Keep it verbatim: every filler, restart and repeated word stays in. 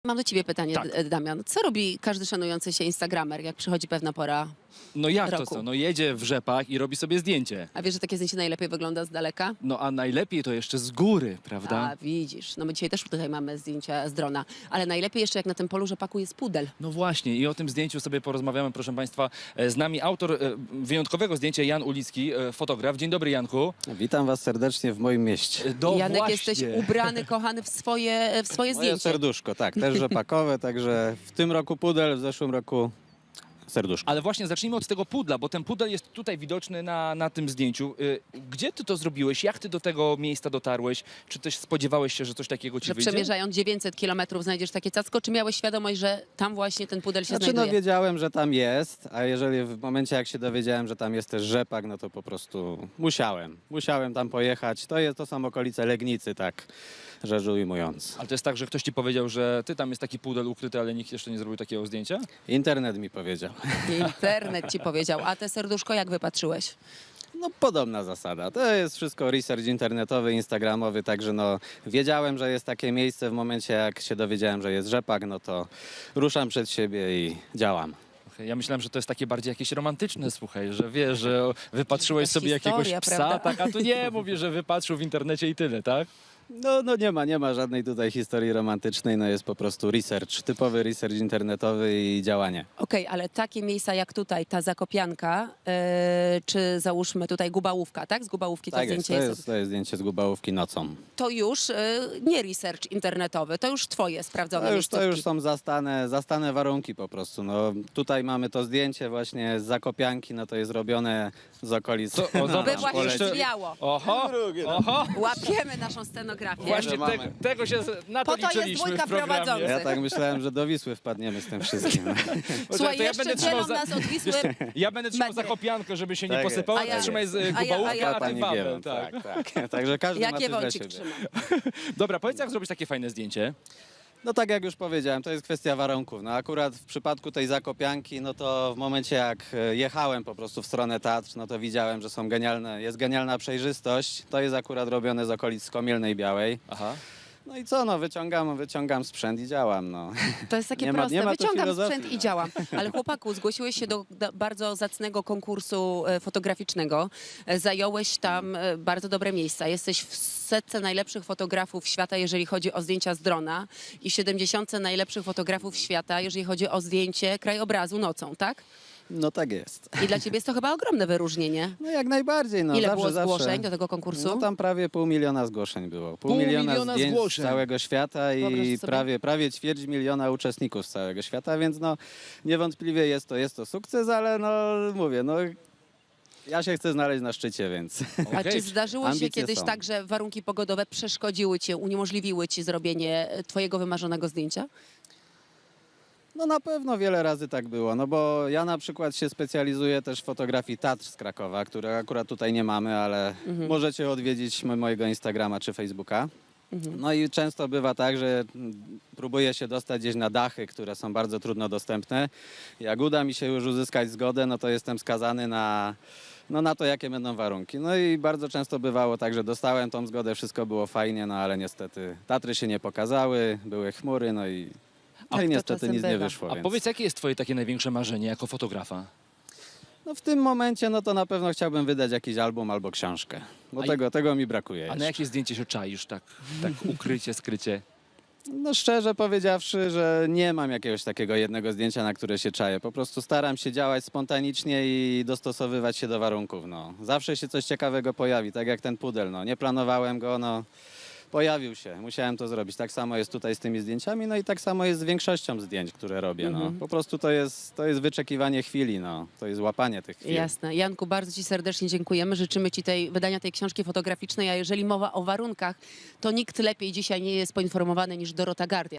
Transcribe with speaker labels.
Speaker 1: Mam do ciebie pytanie,
Speaker 2: Tak.
Speaker 1: D- Damian. Co robi każdy szanujący się instagramer, jak przychodzi pewna pora?
Speaker 2: No jak to
Speaker 1: roku.
Speaker 2: co? No jedzie w rzepach i robi sobie zdjęcie.
Speaker 1: A wiesz, że takie zdjęcie najlepiej wygląda z daleka?
Speaker 2: No a najlepiej to jeszcze z góry, prawda?
Speaker 1: A, widzisz. No my dzisiaj też tutaj mamy zdjęcia z drona, ale najlepiej jeszcze jak na tym polu rzepaku jest pudel.
Speaker 2: No właśnie i o tym zdjęciu sobie porozmawiamy, proszę Państwa. E, Z nami autor e, wyjątkowego zdjęcia, Jan Ulicki, e, fotograf. Dzień dobry, Janku.
Speaker 3: Witam was serdecznie w moim mieście.
Speaker 2: E, Do
Speaker 1: Janek,
Speaker 2: właśnie.
Speaker 1: jesteś ubrany, kochany w swoje, w swoje
Speaker 3: Moje
Speaker 1: zdjęcie.
Speaker 3: serduszko, tak, też rzepakowe, także w tym roku pudel, w zeszłym roku serduszko.
Speaker 2: Ale właśnie zacznijmy od tego pudla, bo ten pudel jest tutaj widoczny na, na tym zdjęciu. E, Gdzie ty to zrobiłeś? Jak ty do tego miejsca dotarłeś? Czy też spodziewałeś się, że coś takiego ci
Speaker 1: Że
Speaker 2: wyjdzie?
Speaker 1: przemierzając dziewięćset kilometrów znajdziesz takie cacko, czy miałeś świadomość, że tam właśnie ten pudel się
Speaker 3: Znaczy no
Speaker 1: znajduje?
Speaker 3: wiedziałem, że tam jest, a jeżeli w momencie jak się dowiedziałem, że tam jest też rzepak, no to po prostu musiałem. Musiałem tam pojechać. To, jest, to są okolice Legnicy, tak rzecz ujmując.
Speaker 2: Ale to jest tak, że ktoś ci powiedział, że ty tam jest taki pudel ukryty, ale nikt jeszcze nie zrobił takiego zdjęcia?
Speaker 3: Internet mi powiedział.
Speaker 1: Internet ci powiedział. A te serduszko jak wypatrzyłeś?
Speaker 3: No podobna zasada. To jest wszystko research internetowy, instagramowy, także no wiedziałem, że jest takie miejsce w momencie jak się dowiedziałem, że jest rzepak, no to ruszam przed siebie i działam.
Speaker 2: Okej, ja myślałem, że to jest takie bardziej jakieś romantyczne, słuchaj, że wiesz, że wypatrzyłeś
Speaker 1: Jakaś
Speaker 2: sobie
Speaker 1: historia,
Speaker 2: jakiegoś psa,
Speaker 1: prawda?
Speaker 2: tak, a tu nie, mówi, że wypatrzył w internecie i tyle, tak?
Speaker 3: No, no nie ma, nie ma żadnej tutaj historii romantycznej, no jest po prostu research, typowy research internetowy i działanie.
Speaker 1: Okej, ale takie miejsca jak tutaj, ta Zakopianka, e, czy załóżmy tutaj Gubałówka, tak? Z Gubałówki to
Speaker 3: Tak jest,
Speaker 1: zdjęcie
Speaker 3: to
Speaker 1: jest,
Speaker 3: jest, to jest zdjęcie z Gubałówki nocą.
Speaker 1: to już e, nie research internetowy, to już twoje sprawdzone
Speaker 3: To już, to
Speaker 1: miejscówki.
Speaker 3: już są zastane, zastane warunki po prostu. No, tutaj mamy to zdjęcie właśnie z Zakopianki, no to jest robione z okolic.
Speaker 2: To- o,
Speaker 3: na
Speaker 2: zobacz,
Speaker 1: By
Speaker 3: nam
Speaker 1: właśnie
Speaker 3: poleci.
Speaker 1: drzwiało.
Speaker 2: Oho, oho,
Speaker 1: Łapiemy naszą scenografię.
Speaker 2: właśnie
Speaker 3: mamy.
Speaker 2: tego, tego się, z- na to
Speaker 1: Po to jest
Speaker 2: liczyliśmy
Speaker 1: dwójka
Speaker 2: w programie.
Speaker 1: prowadzących.
Speaker 3: Ja tak myślałem, że do Wisły wpadniemy z tym wszystkim.
Speaker 1: Słuchaj,
Speaker 2: to ja
Speaker 1: jeszcze
Speaker 2: będę
Speaker 1: dzielą
Speaker 2: trzymał za-
Speaker 1: nas od Wisły.
Speaker 2: Ja będę trzymał
Speaker 1: metry.
Speaker 2: Zakopiankę, żeby się nie
Speaker 3: Tak jest.
Speaker 2: posypało,
Speaker 1: A ja-
Speaker 2: a trzymaj z
Speaker 1: a ja- a
Speaker 2: Gubałówka,
Speaker 1: ja-
Speaker 2: a ty
Speaker 3: Pani
Speaker 2: Wawel,
Speaker 3: Giewon,
Speaker 2: tak.
Speaker 3: tak, tak. Także każdy ma
Speaker 1: Jakie
Speaker 3: coś dla
Speaker 1: wącik
Speaker 3: siebie.
Speaker 1: trzyma?
Speaker 2: Dobra, powiedz, jak zrobić takie fajne zdjęcie?
Speaker 3: No tak jak już powiedziałem, to jest kwestia warunków. No akurat w przypadku tej Zakopianki, no to w momencie jak e, jechałem po prostu w stronę Tatr, no to widziałem, że są genialne, jest genialna przejrzystość. To jest akurat robione z okolic Komielnej Białej.
Speaker 2: Aha.
Speaker 3: No i co, no wyciągam, wyciągam sprzęt i działam, no.
Speaker 1: To jest takie
Speaker 3: Nie ma-
Speaker 1: proste.
Speaker 3: nie ma tu
Speaker 1: Wyciągam
Speaker 3: filozofii,
Speaker 1: sprzęt i
Speaker 3: no.
Speaker 1: działam. Ale chłopaku, zgłosiłeś się do, do bardzo zacnego konkursu e, fotograficznego. E, Zająłeś tam e, bardzo dobre miejsca. Jesteś w setce najlepszych fotografów świata, jeżeli chodzi o zdjęcia z drona i w siedemdziesiątce najlepszych fotografów świata, jeżeli chodzi o zdjęcie krajobrazu nocą, tak?
Speaker 3: No tak jest.
Speaker 1: I dla ciebie jest to chyba ogromne wyróżnienie.
Speaker 3: No jak najbardziej, no
Speaker 1: Ile
Speaker 3: zawsze,
Speaker 1: było zgłoszeń
Speaker 3: zawsze.
Speaker 1: do tego konkursu?
Speaker 3: No tam prawie pół miliona zgłoszeń było. Pół,
Speaker 2: Pół
Speaker 3: miliona,
Speaker 2: miliona
Speaker 3: zdjęć
Speaker 2: zgłoszeń.
Speaker 3: z całego świata
Speaker 1: Wyobraź
Speaker 3: i
Speaker 1: sobie.
Speaker 3: prawie, prawie ćwierć miliona uczestników z całego świata, więc no niewątpliwie jest to, jest to sukces, ale no mówię, no ja się chcę znaleźć na szczycie, więc...
Speaker 1: A
Speaker 2: Okej.
Speaker 1: czy zdarzyło się
Speaker 3: Ambicje
Speaker 1: kiedyś
Speaker 3: są.
Speaker 1: tak, że warunki pogodowe przeszkodziły ci, uniemożliwiły ci zrobienie e, twojego wymarzonego zdjęcia?
Speaker 3: No na pewno wiele razy tak było, no bo ja na przykład się specjalizuję też w fotografii Tatr z Krakowa, które akurat tutaj nie mamy, ale możecie odwiedzić mo- mojego Instagrama czy Facebooka. No i często bywa tak, że mm, próbuję się dostać gdzieś na dachy, które są bardzo trudno dostępne. Jak uda mi się już uzyskać zgodę, no to jestem skazany na, no na to, jakie będą warunki. No i bardzo często bywało tak, że dostałem tą zgodę, wszystko było fajnie, no ale niestety Tatry się nie pokazały, były chmury, no i, no
Speaker 1: to
Speaker 3: i niestety
Speaker 1: czasem
Speaker 3: nic nie
Speaker 1: bywa.
Speaker 3: wyszło.
Speaker 2: A
Speaker 3: więc...
Speaker 2: powiedz, jakie jest twoje takie największe marzenie jako fotografa?
Speaker 3: No w tym momencie, no to na pewno chciałbym wydać jakiś album albo książkę, bo
Speaker 2: A i-
Speaker 3: tego, tego mi brakuje
Speaker 2: A na
Speaker 3: jeszcze.
Speaker 2: jakie zdjęcie się czaisz, tak, tak ukrycie, skrycie?
Speaker 3: No szczerze powiedziawszy, że nie mam jakiegoś takiego jednego zdjęcia, na które się czaję. Po prostu staram się działać spontanicznie i dostosowywać się do warunków, no. Zawsze się coś ciekawego pojawi, tak jak ten pudel, no. Nie planowałem go, no. Pojawił się, musiałem to zrobić. Tak samo jest tutaj z tymi zdjęciami, no i tak samo jest z większością zdjęć, które robię, no. Po prostu to jest, to jest wyczekiwanie chwili, no. To jest łapanie tych chwil.
Speaker 1: Jasne. Janku, bardzo ci serdecznie dziękujemy. Życzymy ci tej, wydania tej książki fotograficznej, a jeżeli mowa o warunkach, to nikt lepiej dzisiaj nie jest poinformowany niż Dorota Gardia.